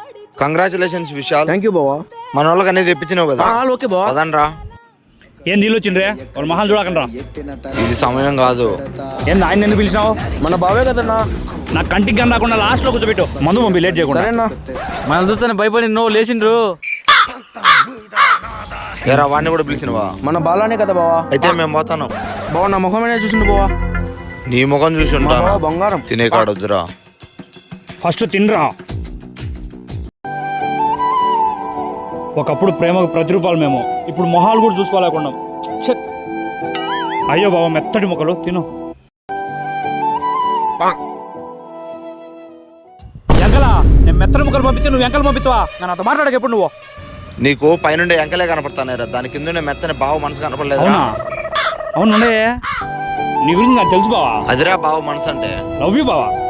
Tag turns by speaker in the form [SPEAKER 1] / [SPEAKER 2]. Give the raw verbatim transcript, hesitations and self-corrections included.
[SPEAKER 1] Congratulations Vishal.
[SPEAKER 2] Thank you బావా.
[SPEAKER 1] మన వాళ్ళకి అనేది తెప్పించినావు కదా.
[SPEAKER 2] ఓకే బావా.
[SPEAKER 1] పదండ్రా.
[SPEAKER 3] ఏం నీళ్ళు వచ్చిండ్రే వాళ్ళు మహాలు చూడకండి రా.
[SPEAKER 1] ఇది సమయం కాదు.
[SPEAKER 3] ఏంది ఆయన ఎందుకు పిలిచినావు?
[SPEAKER 2] మన బావే కదన్నా.
[SPEAKER 3] నా కంటికి కానీ రాకుండా లాస్ట్ లో కూర్చోబెట్టు. మందు పంపి లేట్ చేయకుండా.
[SPEAKER 2] సరేనా?
[SPEAKER 4] మన చూస్తాను భయపడి నువ్వు లేచిండ్రు.
[SPEAKER 1] ఏరా వాడిని కూడా పిలిచినవా?
[SPEAKER 2] మన బాలానే కదా బావా.
[SPEAKER 1] అయితే మేము పోతాను.
[SPEAKER 2] బావా నా ముఖమేనే చూసిండు బావా.
[SPEAKER 1] నీ ముఖం చూసి ఉంటాను.
[SPEAKER 2] బావా బంగారం.
[SPEAKER 1] తినే కాడొద్దురా.
[SPEAKER 3] ఫస్ట్ తినరా. ఒకప్పుడు ప్రేమకు ప్రతిరూపాలు మేము, ఇప్పుడు మొహాలు కూడా చూసుకోలేకుండా. ఛట్. అయ్యో బాబా మెత్తటి ముక్కలు తిను. ఎంకలా నేను మెత్తటి ముక్కలు పంపించి నువ్వు ఎంకలు పంపించవా? నేను అంత మాట్లాడక ఎప్పుడు నువ్వు.
[SPEAKER 1] నీకు పైనుండే ఎంకలే కనపడతానేరా, దాని కింద మెత్తని బావ మనసు కనపడలేదు.
[SPEAKER 3] అవునా? అవునుండే నీ గురించి నాకు తెలుసు బావా.
[SPEAKER 1] అదిరా బావ మనసు అంటే.
[SPEAKER 3] లవ్ యూ బావా.